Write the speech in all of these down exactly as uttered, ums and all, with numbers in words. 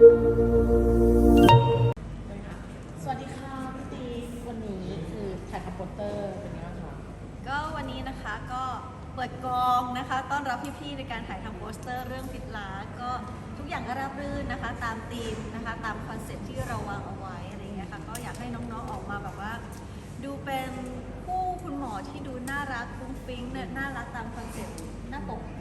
สวัสดีค่ะพี่ตีวันนี้คือถ่ายทำโปสเตอร์เป็นยังไงบ้างคะก็วันนี้นะคะก็เปิดกองนะคะต้อนรับพี่ๆในการถ่ายทำโปสเตอร์เรื่องพิษล้าก็ทุกอย่างก็ราบรื่นนะคะตามธีมนะคะตามคอนเซ็ปต์ที่เราวางเอาไว้อะไรอย่างเงี้ยค่ะก็อยากให้น้องๆออกมาแบบว่าดูเป็นคู่คุณหมอที่ดูน่ารักฟุ้งฟิ้งเนี่ยน่ารักตามคอนเซ็ปต์หน้าปก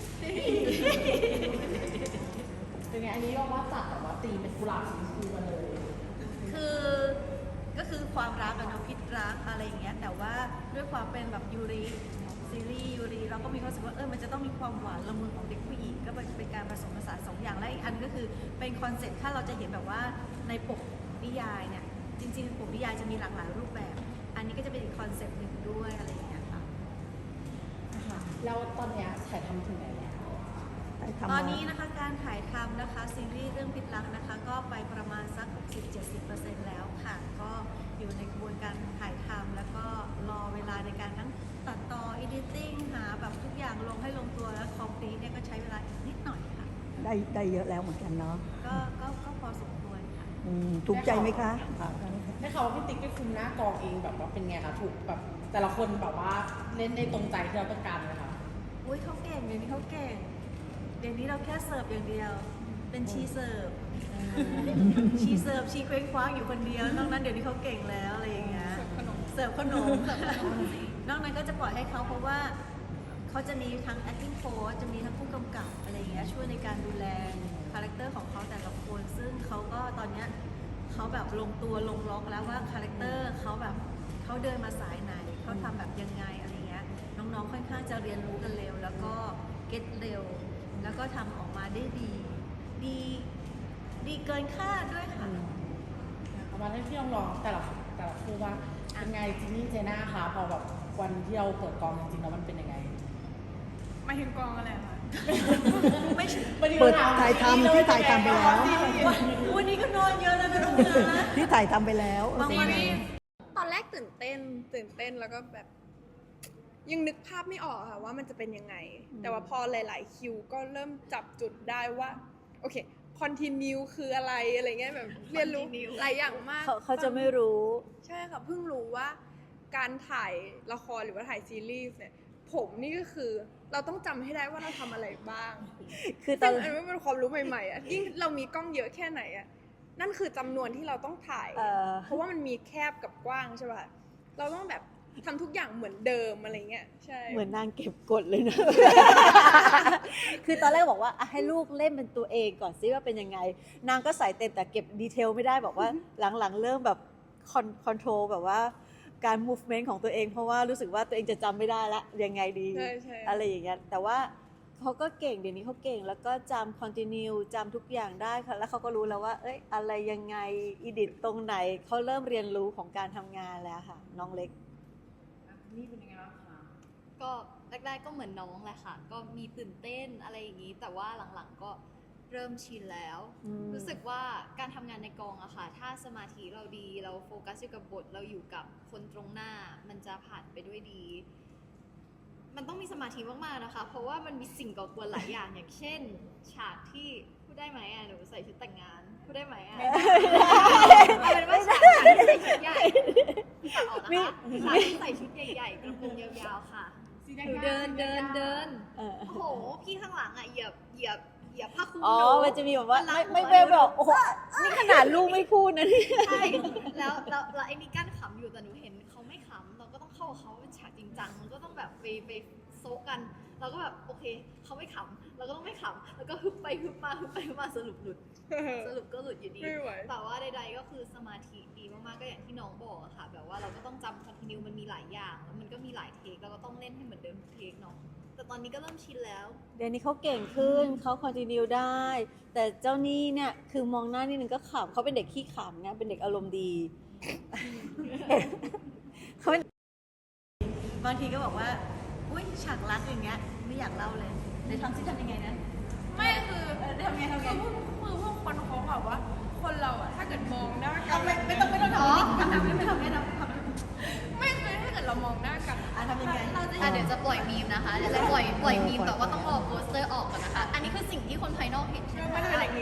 เป็นไงอันนี้เราว่าจัดแบบว่าตีเป็นกุหลาบสีชมพูมาเลยคือก็คือความรักอะเนาะพิษรักอะไรอย่างเงี้ยแต่ว่าด้วยความเป็นแบบยูริซีรีส์ยูริเราก็มีความรู้สึกว่าเออมันจะต้องมีความหวานละมุนของเด็กผู้หญิงก็เป็นการผสมผสานสองอย่างและอีกอันก็คือเป็นคอนเซ็ปต์ถ้าเราจะเห็นแบบว่าในปกนิยายเนี่ยจริงๆปกนิยายจะมีหลากหลายรูปแบบอันนี้ก็จะเป็นอีกคอนเซ็ปต์หนึ่งด้วยอะไรอย่างเงี้ยค่ะแล้วตอนเนี้ยถ่ายทำถึงไหนแล้วตอนนี้นะคะการถ่ายทำนะคะซีรีส์เรื่องพิษรักนะคะก็ไปประมาณสัก หกสิบถึงเจ็ดสิบเปอร์เซ็นต์ แล้วค่ะก็อยู่ในกระบวนการถ่ายทำแล้วก็รอเวลาในการทั้งตัดต่อ editing หาแบบทุกอย่างลงให้ลงตัวแล้ว complete เนี่ยก็ใช้เวลานิดหน่อยค่ะได้ได้เยอะแล้วเหมือนกันเนาะก็ก็ก็พอสมควรค่ะถูกใจไหมคะได้ข่าวว่าพี่ติ๊กไปคุมหน้ากองเองแบบว่าเป็นไงคะถูกแบบแต่ละคนแบบว่าเล่นได้ตรงใจที่เราต้องการไหมคะอุ้ยเขาเก่งเดี๋ยวนี้เขาเก่งเดี๋ยวนี้เราแค่เสิร์ฟอย่างเดียวเป็นชีเสิร์ฟชีเสิร์ฟชีเคว้งคว้างอยู่คนเดียวนอกนั้นเดี๋ยวนี้เขาเก่งแล้วอะไรอย่างเงี้ยเสิร์ฟขนมเสิร์ฟขนมนอกนั้นก็จะปล่อยให้เขาเพราะว่าเขาจะมีทั้ง acting coach จะมีทั้งผู้กำกับอะไรอย่างเงี้ยช่วยในการดูแลคาแรคเตอร์ของเขาแต่ละคนซึ่งเขาก็ตอนเนี้ยเขาแบบลงตัวลงล็อกแล้วว่าคาแรคเตอร์เขาแบบเขาเดินมาสายไหนเขาทำแบบยังไงอะไรเงี้ยน้องๆค่อนข้างจะเรียนรู้กันเร็วแล้วก็เก็ตเร็วแล้วก็ทำออกมาได้ดีดีดีเกินคาดด้วยค่ะเอามาให้พี่ลองลองแต่ละแต่ละคู่ว่าเป็นไงจินนี่เจน่าคะพอแบบวันที่เราเปิดกองจริงๆแล้วมันเป็นยังไงไม่ถึงกองอะไรคะไม่เปิดถ่ายทำที่ถ่ายทำไปแล้ววันนี้ก็นอนเยอะแล้วนะทุกคนนะที่ถ่ายทำไปแล้วบางวันตอนแรกตื่นเต้นตื่นเต้นแล้วก็แบบยังนึกภาพไม่ออกค่ะว่ามันจะเป็นยังไงแต่ว่าพอหลายๆคิวก็เริ่มจับจุดได้ว่าโอเคคอนติเนียคืออะไรอะไรเงี้ยแบบเรียนรู้หลายอย่างมากเขาเขาจะไม่รู้ใช่ค่ะเพิ่งรู้ว่าการถ่ายละครหรือว่าถ่ายซีรีส์เนี่ยผมนี่ก็คือเราต้องจำให้ได้ว่าเราทำอะไรบ้างคือตอนอันนี้เป็นความรู้ใหม่ๆอ่ะยิ่งเรามีกล้องเยอะแค่ไหนอ่ะนั่นคือจำนวนที่เราต้องถ่ายเพราะว่ามันมีแคบกับกว้างใช่ป่ะเราต้องแบบทำทุกอย่างเหมือนเดิมอะไรเงี้ยใช่เหมือนนางเก็บกดเลยนะคือตอนแรกบอกว่าให้ลูกเล่นเป็นตัวเองก่อนซิว่าเป็นยังไงนางก็ใส่เต็มแต่เก็บดีเทลไม่ได้บอกว่าหลังๆเริ่มแบบคอนโทรลแบบว่าการ movement ของตัวเองเพราะว่ารู้สึกว่าตัวเองจะจำไม่ได้ละยังไงดีอะไรอย่างเงี้ยแต่ว่าเขาก็เก่งเดี๋ยวนี้เขาเก่งแล้วก็จำ continue จำทุกอย่างได้ค่ะแล้วเขาก็รู้แล้วว่าเอ้ยอะไรยังไง edit ตรงไหนเขาเริ่มเรียนรู้ของการทำงานแล้วค่ะน้องเล็กนี่เป็นยังไงบ้างคะก็แรกๆก็เหมือนน้องแหละค่ะก็มีตื่นเต้นอะไรอย่างนี้แต่ว่าหลังๆก็เริ่มชินแล้วรู้สึกว่าการทำงานในกองอะค่ะถ้าสมาธิเราดีเราโฟกัสอยู่กับบทเราอยู่กับคนตรงหน้ามันจะผ่านไปด้วยดีมันต้องมีสมาธิมากๆนะคะเพราะว่ามันมีสิ่งก่อกวนหลายอย่างอย่างเช่นฉากที่พูดได้ไหมอะหนูใส่ชุดแต่งงานพูดได้ไหมอะเอาเป็นว่าฉากที่ใส่ชุดใหญ่ตัดออกนะคะฉากที่ใส่ชุดใหญ่ๆกระโปรงยาวๆค่ะหนูเดินเดินเดินโอ้โหพี่ข้างหลังอะเหยียบเหยียบเหยียบผ้าคลุมอ๋อมันจะมีแบบว่าไม่ไม่เวลแบบโอ้โหนี่ขนาดลูกไม่พูดนะนี่ใช่แล้วแล้วแล้วไอ้นี่กั้นขำอยู่แต่หนูเห็นเขาไม่ขำเราก็ต้องเข้ากับเขาเป็นฉากจริงจังมันก็ต้องแบบไปไปโซกกันเราก็แบบโอเคเขาไม่ขำเราก็ต้องไม่ขำแล้วก็ฮึบไปฮึบมาฮึบไปฮึบมาสรุปหลุดสรุปก็หลุดอยู่ดีแต่ว่าใดๆก็คือสมาธิดีมากๆก็อย่างที่น้องบอกอะค่ะแบบว่าเราก็ต้องจำคอนติเนียมันมีหลายอย่างแล้วมันก็มีหลายเทคเราก็ต้องเล่นให้เหมือนเดิมทุกเทคเนาะแต่ตอนนี้ก็เริ่มชินแล้วเดี๋ยวนี้เขาเก่งขึ้นเขาคอนติเนียได้แต่เจ้านี่เนี่ยคือมองหน้านี่นึงก็ขำเขาเป็นเด็กขี้ขำไงเป็นเด็กอารมณ์ดีเขาบางทีก็บอกว่าอุ้ยฉากรักอย่างเงี้ยไม่อยากเล่าเลยในทำซิทำยังไงนะไม่คือทำไงทำไงคือพวกคนเขาแบบว่าคนเราอะถ้าเกิดมองหน้ากันไม่ไม่ต้องไม่ต้องทำทำทำไม่ทำไม่ทำทำไม่คือถ้าเกิดเรามองหน้ากันอ่ะทำยังไงอ่ะเดี๋ยวจะปล่อยมีมนะคะเดี๋ยวจะปล่อยปล่อยมีมแต่ว่าต้องรอโปสเตอร์ออกก่อนนะคะอันนี้คือสิ่งที่คนภายนอกเห็นใช่ไหมมันเป็นอย่างนี้ใช่ไหมและ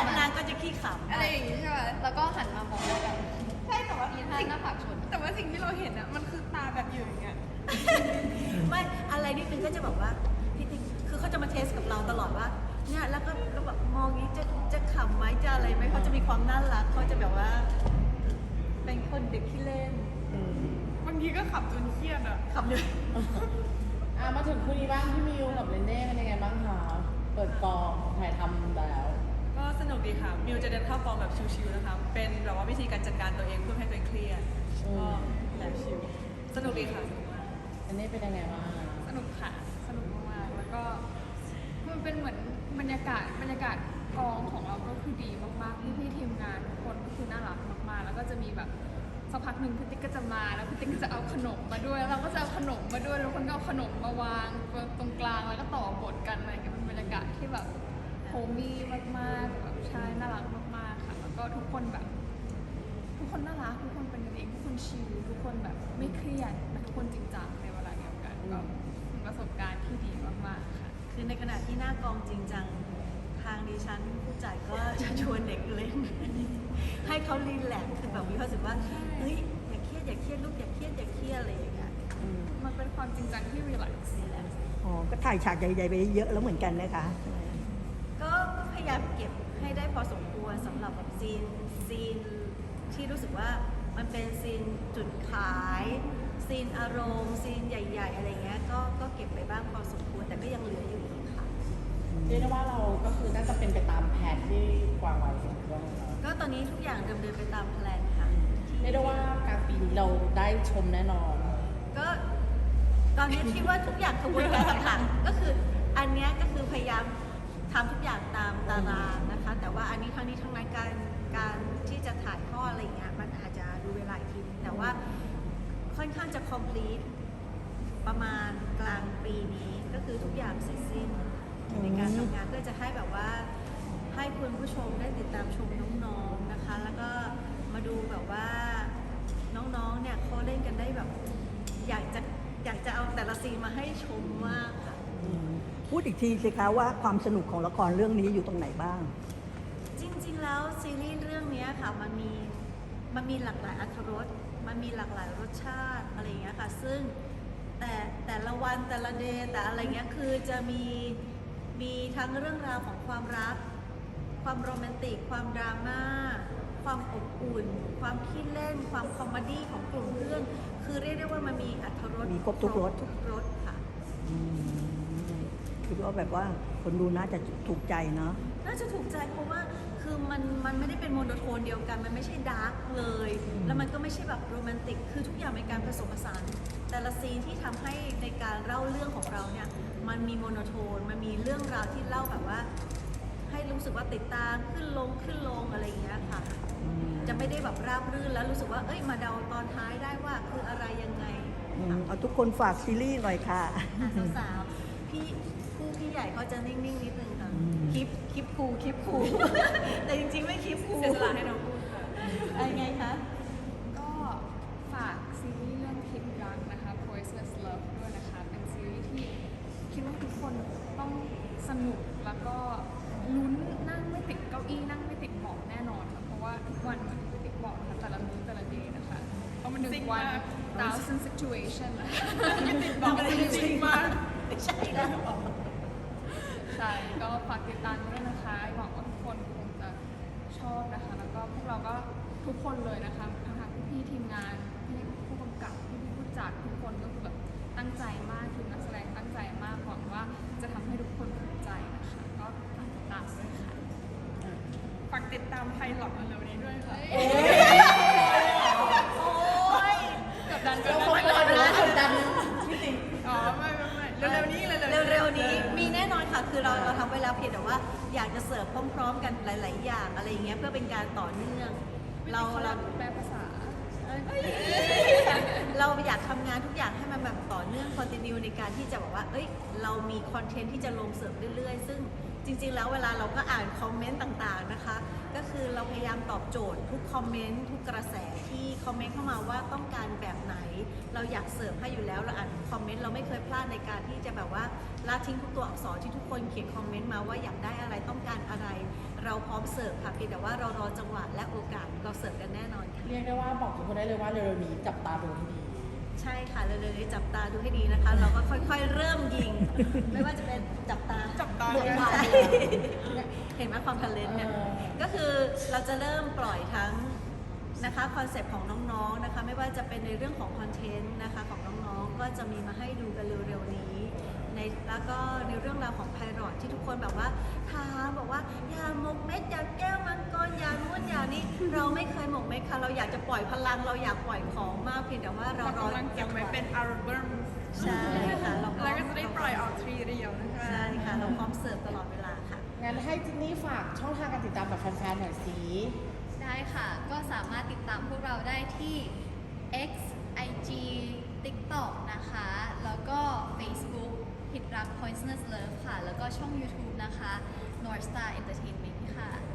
และนางก็จะขี้ขำอะไรอย่างงี้ใช่ไหมแล้วก็หันมามองกันใช่แต่ว่ามีท่าหน้าผากชนแต่ว่าสิ่งที่เราเห็นอะมันคือตาแบบอยู่อย่างเงี้ยไม่อะไรนิดนึงก็จะบอกว่าพี่ติ๊กคือเขาจะมาเทสกับเราตลอดว่าเนี่ยแล้วก็แล้วแบบมองอย่างนี้จะจะขำไหมจะอะไรไหมเขาจะมีความน่ารักเขาจะแบบว่า เป็นคนเด็กที่เล่นบางทีก็ขับจนเครียดอะขำเลยอ่ะมาถึงคู่นี้บ้างพี่มิวกับเรนเน่เป็นยังไงบ้างคะเปิดกองถ่ายทำแล้วก็สนุกดีค่ะ มิวจะเดินเข้ากองแบบชิวๆนะคะ เป็นแบบว่าวิธีการจัดการตัวเองเพื่อให้ตัวเองเครียดอืมก็แบบชิวสนุกดีค่ะสนุกมากเรนเน่เป็นยังไงบ้างสนุกค่ะ สนุกมากๆ แล้วก็มันเป็นเหมือนบรรยากาศบรรยากาศกองของเราก็คือดีมากๆ พี่ๆทีมงานทุกคนก็คือน่ารักมากๆ แล้วก็จะมีแบบสักพักหนึ่งพี่ติ๊กก็จะมาแล้วพี่ติ๊กก็จะเอาขนมมาด้วยแล้วเราก็จะเอาขนมมาด้วยแล้วคนก็เอาขนมมาวางตรงกลางแล้วก็ต่อบทกันอะไรอย่างเงี้ยเป็นบรรยากาศที่แบบโฮมี่มากๆแบบใช่น่ารักมากๆค่ะ แล้วก็ทุกคนแบบ ทุกคนน่ารักทุกคนเป็นกันเองทุกคนชิลทุกคนแบบไม่เครียดแต่ทุกคนจริงจังในเวลาเดียวกันก็เป็นประสบการณ์ที่ดีมากๆค่ะคือในขณะที่หน้ากองจริงจังทางดิฉันผู้จัดก็จะชวนเด็กเล่น ให้เขารีแลกซ์คือแบบมีความรู้สึกว่าเฮ้ยอย่าเครียดอย่าเครียดลูกอย่าเครียดอย่าเครียดอะไรอย่างเงี้ยมันเป็นความจริงจังที่รีแลกซ์รีแลกซ์อ๋อ ก็ถ่ายฉากใหญ่ๆไปเยอะแล้วเหมือนกันนะคะก็ก็พยายามเก็บให้ได้พอสมควรสำหรับแบบซีนซีนที่รู้สึกว่ามันเป็นซีนจุดขายซีนอารมณ์ซีนใหญ่ ๆ อะไรเงี้ยก็ก็เก็บไปบ้างพอสมควรแต่ก็ยังเหลืออยู่อีกค่ะเรียกได้ว่าเราก็คือน่าจะเป็นไปตามแผนที่วางไว้ของเรื่องเราก็ตอนนี้ทุกอย่างดำเนินไปตามแพลนค่ะเรียกได้ว่ากลางปีนี้เราได้ชมแน่นอนก็ตอนนี้คิดว่าทุกอย่างกระบวนการต่างๆก็คืออันเนี้ยก็คือพยายามทำทุกอย่างตามตารางนะคะ แต่ว่าอันนี้ทั้งนี้ทั้งนั้นการการที่จะถ่ายทอดอะไรอย่างเงี้ยมันอาจจะดูเวลาอีกทีนึงแต่ว่าค่อนข้างจะ complete ประมาณกลางปีนี้ก็คือทุกอย่างเสร็จสิ้นในการทำงานเพื่อจะให้แบบว่าให้คุณผู้ชมได้ติดตามชมน้องๆนะคะ แล้วก็มาดูแบบว่าน้องๆเนี่ยเขาเล่นกันได้แบบ อยากจะอยากจะเอาแต่ละซีนมาให้ชมมากค่ะพูดอีกทีสิคะว่าความสนุกของละครเรื่องนี้อยู่ตรงไหนบ้างจริงๆ แล้วซีรีส์เรื่องเนี้ยค่ะมันมีมันมีหลากหลายอรรถรสมันมีหลากหลายรสชาติอะไรอย่างเงี้ยค่ะ ซึ่งแต่แต่ละวันแต่ละเดย์แต่อะไรเงี้ยคือจะมีมีทั้งเรื่องราวของความรัก ความโรแมนติก ความดราม่า ความอบอุ่น ความขี้เล่น ความคอมเมดี้ของกลุ่มเพื่อน คือเรียกได้ว่ามันมีอรรถรสมีครบทุกรสทุกรสค่ะอืมคิดว่าแบบว่าคนดูน่าจะถูกใจเนาะน่าจะถูกใจเพราะว่าคือมันมันไม่ได้เป็นโมโนโทนเดียวกัน มันไม่ใช่ดาร์กเลย แล้วมันก็ไม่ใช่แบบโรแมนติก คือทุกอย่างเป็นการผสมผสาน แต่ละซีนที่ทำให้ในการเล่าเรื่องของเราเนี่ย มันมีโมโนโทน มันมีเรื่องราวที่เล่าแบบว่า ให้รู้สึกว่าติดตามขึ้นลงขึ้นลงอะไรอย่างเงี้ยค่ะ จะไม่ได้แบบราบรื่นแล้วรู้สึกว่า เอ้ยมาเดาตอนท้ายได้ว่าคืออะไรยังไงอืมเอาทุกคนฝากซีรีส์หน่อยค่ะอ่ะสาวๆ พี่ผู้พี่ใหญ่เขาจะนิ่งๆนิดนึงค่ะอืมคลิปคลิปคูลคลิปคูล แต่จริงๆ ไม่คลิปคูลเสียสละให้น้องพูดค่ะอะไรไงคะก็ฝากซีรีส์เรื่องพิมรักนะคะ Poisonous Love ด้วยนะคะ เป็นซีรีส์ที่คิดว่าทุกคนต้องสนุกแล้วก็ลุ้นนั่งไม่ติดเก้าอี้นั่งไม่ติดเบาะแน่นอนค่ะเพราะว่าทุกวันเหมือนไม่ติดเบาะนะคะแต่ละมื้อแต่ละเดย์นะคะเพราะมันหนึ่งวัน thousand situation นะบอกเลยจริงมากใช่แล้วใช่ก็ฝากติดตามด้วยนะคะหวังว่าทุกคนคงจะชอบนะคะ แล้วก็พวกเราก็ทุกคนเลยนะคะทั้งทางพี่ๆทีมงานพี่ผู้กำกับพี่ๆผู้จัดทุกคนก็คือแบบตั้งใจมากทีมนักแสดงตั้งใจมากหวังว่าจะทำให้ทุกคนภูมิใจนะคะก็ฝากติดตามด้วยค่ะฝากติดตามไพลอตเร็วๆนี้ด้วยค่ะโอ้ยกดดันกเราดคงดันรอดูว่ากดดันพี่ติ๊กอ๋อ ไม่ไม่ไม่เร็วๆนี้เร็วๆนี้เร็วๆนี้มีแน่นอนค่ะ คือเราเราทำไว้แล้วเพียงแต่ว่าอยากจะเสิร์ฟพร้อมๆ กันหลาย ๆ อย่างอะไรอย่างเงี้ยเพื่อเป็นการต่อเนื่อง เราเราแปลภาษาเราอยากทำงานทุกอย่างให้มันแบบต่อเนื่องคอนติเนียในการที่จะบอกว่า เอ้ย เรามีคอนเทนต์ที่จะลงเสริมเรื่อย ๆ ซึ่งจริง ๆ แล้วเวลาเราก็อ่านคอมเมนต์ต่าง ๆ นะคะ ก็คือเราพยายามตอบโจทย์ทุกคอมเมนต์ทุกกระแสที่คอมเมนต์เข้ามาว่าต้องการแบบไหน เราอยากเสิร์ฟให้อยู่แล้วเราอ่านคอมเมนต์เราไม่เคยพลาดในการที่จะแบบว่าละทิ้งทุกตัวอักษรที่ทุกคนเขียนคอมเมนต์มาว่าอยากได้อะไรต้องการอะไร เราพร้อมเสิร์ฟค่ะเพียงแต่ว่าเรารอจังหวะและโอกาสเราเสิร์ฟกันแน่นอนค่ะเรียกได้ว่าบอกทุกคนได้เลยว่าเร็วๆนี้จับตาดูให้ดีใช่ค่ะเร็วๆนี้จับตาดูให้ดีนะคะ เราก็ค่อยๆ เริ่มยิง ไม่ว่าจะเป็นจับตาจับตาเดือดเลยตาเห็นไหมความทันเลนเนี่ยเออก็คือเราจะเริ่มปล่อยทั้งนะคะคอนเซปต์ของน้องๆนะคะไม่ว่าจะเป็นในเรื่องของคอนเทนต์นะคะของน้องๆก็จะมีมาให้ดูกันเร็วๆนี้ในแล้วก็ในเรื่องราวของไพรอตที่ทุกคนแบบว่าถามบอกว่าอย่าหมกเม็ดอย่าแก้วมังกรอย่านู่นอย่านี้เราไม่เคยหมกเม็ดค่ะเราอยากจะปล่อยพลังเราอยากปล่อยของมากเพียงแต่ว่าเราเรารอกำลังเก็บไว้เป็นอัลบั้มใช่ค่ะเราพร้อแล้วมก็จะได้ปล่อยออกทรีเดียวนะคะใช่ค่ะเราพร้อมเสิร์ฟตลอดเวลาค่ะงั้นให้จินนี่ฝากช่องทางการติดตามกับแฟนๆหน่อยสิได้ค่ะ ก็สามารถติดตามพวกเราได้ที่ X ไอ จี TikTok นะคะ แล้วก็ Facebook ผิดรัก Poisonous Love ค่ะ แล้วก็ช่อง YouTube นะคะ North Star Entertainment ค่ะ